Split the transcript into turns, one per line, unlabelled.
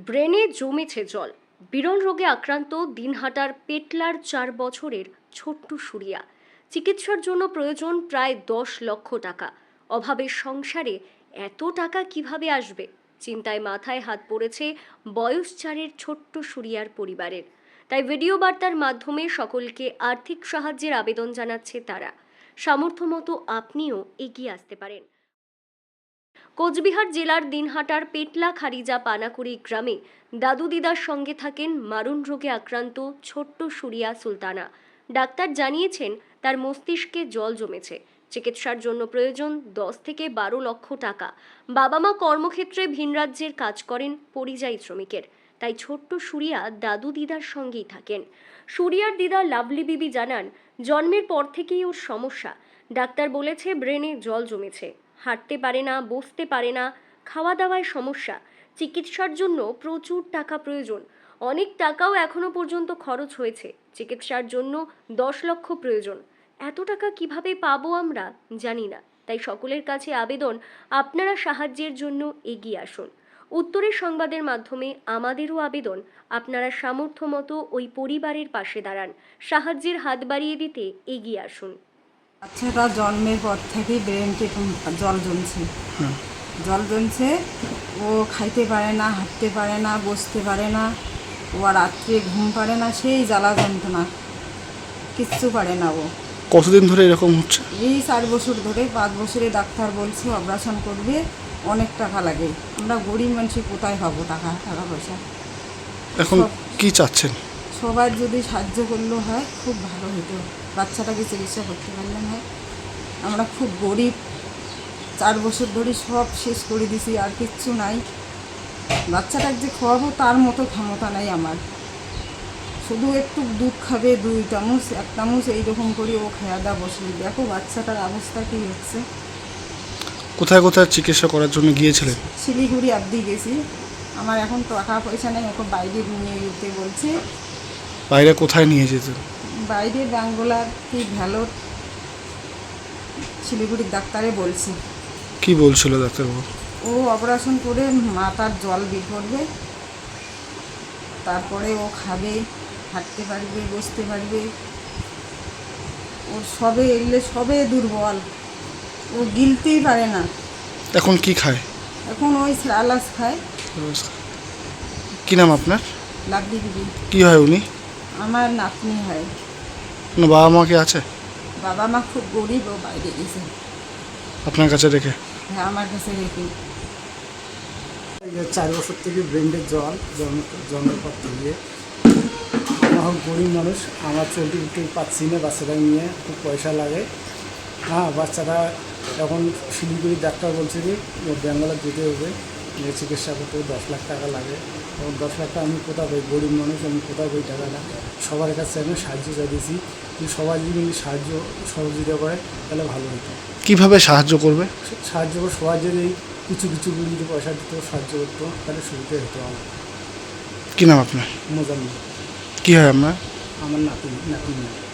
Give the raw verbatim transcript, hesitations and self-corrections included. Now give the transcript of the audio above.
ব্রেনে জমেছে জল। বিরল রোগে আক্রান্ত দিনহাটার পেটলার চার বছরের ছোট্ট সুরিয়া। চিকিৎসার জন্য প্রয়োজন প্রায় দশ লক্ষ টাকা। অভাবের সংসারে এত টাকা কিভাবে আসবে? চিন্তায় মাথায় হাত পড়েছে বয়স চারের ছোট্ট সুরিয়ার পরিবারের। তাই ভিডিও বার্তার মাধ্যমে সকলকে আর্থিক সাহায্যের আবেদন জানাচ্ছে তারা। সামর্থ্য মতো আপনিও এগিয়ে আসতে পারেন। কোচবিহার জেলার দিনহাটার পেটলা খারিজা পানাকুড়ি গ্রামে দাদু দিদার সঙ্গে থাকেন মারণ রোগে আক্রান্ত ছোট্ট সুরিয়া সুলতানা। ডাক্তার জানিয়েছেন তার মস্তিষ্কে জল জমেছে। চিকিৎসার জন্য প্রয়োজন দশ থেকে বারো লক্ষ টাকা। বাবা মা কর্মক্ষেত্রে ভিন রাজ্যের কাজ করেন পরিযায়ী শ্রমিকের। তাই ছোট্ট সুরিয়া দাদু দিদার সঙ্গেই থাকেন। সুরিয়ার দিদা লাভলি বিবি জানান, জন্মের পর থেকেই ওর সমস্যা। ডাক্তার বলেছে ব্রেনে জল জমেছে, হাঁটতে পারে না, বসতে পারে না, খাওয়া দাওয়ায় সমস্যা। চিকিৎসার জন্য প্রচুর টাকা প্রয়োজন। অনেক টাকাও এখনো পর্যন্ত খরচ হয়েছে। চিকিৎসার জন্য দশ লক্ষ প্রয়োজন। এত টাকা কিভাবে পাবো আমরা জানি না। তাই সকলের কাছে আবেদন, আপনারা সাহায্যের জন্য এগিয়ে আসুন। উত্তরের সংবাদের মাধ্যমে আমাদেরও আবেদন, আপনারা সামর্থ্য মতো ওই পরিবারের পাশে দাঁড়ান, সাহায্যের হাত বাড়িয়ে দিতে এগিয়ে আসুন।
বাচ্চাটা জন্মের পর থেকেই ব্রেনকে জল জমছে জল জমছে ও খাইতে পারে না, হাঁটতে পারে না, বসতে পারে না, ও রাত্রে ঘুম পারে না, সেই জ্বালা যন্ত্রণা, কিচ্ছু পারে না ও।
কতদিন ধরে এরকম হচ্ছে?
এই চার বছর ধরে। পাঁচ বছরে ডাক্তার বলছে অপারেশন করবে, অনেক টাকা লাগে। আমরা গরিব মানুষ কোথায় পাবো টাকা টাকা পয়সা?
এখন কি চাচ্ছেন?
সবার যদি সাহায্য করলেও হয় খুব ভালো হতো। বাচ্চাটাকে চিকিৎসা করতে পারলাম হয়। আমরা খুব গরিব, চার বছর ধরে সব শেষ করে দিছি, আর কিচ্ছু নাই। বাচ্চাটাকে যে খাওয়াবো তার মতো ক্ষমতা নাই আমার। শুধু একটু দুধ খাবে, দুই চামচ এক চামচ এইরকম করে ও খাওয়া দাওয়া বসে। দেখো বাচ্চাটার অবস্থা কী হচ্ছে।
কোথায় কোথায় চিকিৎসা করার জন্য গিয়েছিলেন?
শিলিগুড়ি অবধি গেছি। আমার এখন টাকা পয়সা নেই, ওকে বাইরে নিয়ে যেতে বলছে।
বাইরে কোথায় নিয়ে যেতেন?
বাইরে ব্যাঙ্গোলার কি ভ্যালোর, শিলিগুড়ির ডাক্তারে বলছি।
কি বলছিল ডাক্তারবাবু?
ও অপারেশন করে মাথার জল বের করবে, তারপরে ও খাবে, হাঁটতে পারবে, বসতে পারবে। ওর সবে এলে সবে দুর্বল, ও গিলতেই পারে না।
এখন কি খায়?
এখন ওই আলাস খায়।
কি নাম আপনার?
লাভলি দিদি।
কি হয় উনি?
আমার নাতনি হয়।
না বাবা মা কি আছে?
বাবা মা খুব গরিব, ও বাইরে গেছে।
আপনার কাছে রেখে?
হ্যাঁ, আমার কাছে রেখে।
চার বছর থেকে ব্রেনের জল জন্ম জন্মের পর থেকে। আমার গরিব মানুষ, আমার চলতে উঠতে পাচ্ছি না। বাচ্চাটা নিয়ে খুব পয়সা লাগে। হ্যাঁ, বাচ্চাটা এখন শিলিগুড়ির ডাক্তার বলছে যে ব্যাঙ্গালোর যেতে হবে, চিকিৎসা করতে দশ লাখ টাকা লাগে। এবং দশ লাখ টাকা আমি কোথাও পাই? গরিব মানুষ, আমি কোথাও পাই টাকাটা? সবার কাছে আমি সাহায্য চাইছি যে সবাই যদি সাহায্য সহযোগিতা করে তাহলে ভালো হতো।
কিভাবে সাহায্য করবে?
সাহায্য করে সবাই যদি কিছু কিছু যদি পয়সা দিত, সাহায্য করতো, তাহলে সুবিধা হতো আমার।
কি নাম আপনার?
মোজাম্মেল।
কি হয় আপনার?
আমার নাতি নাতি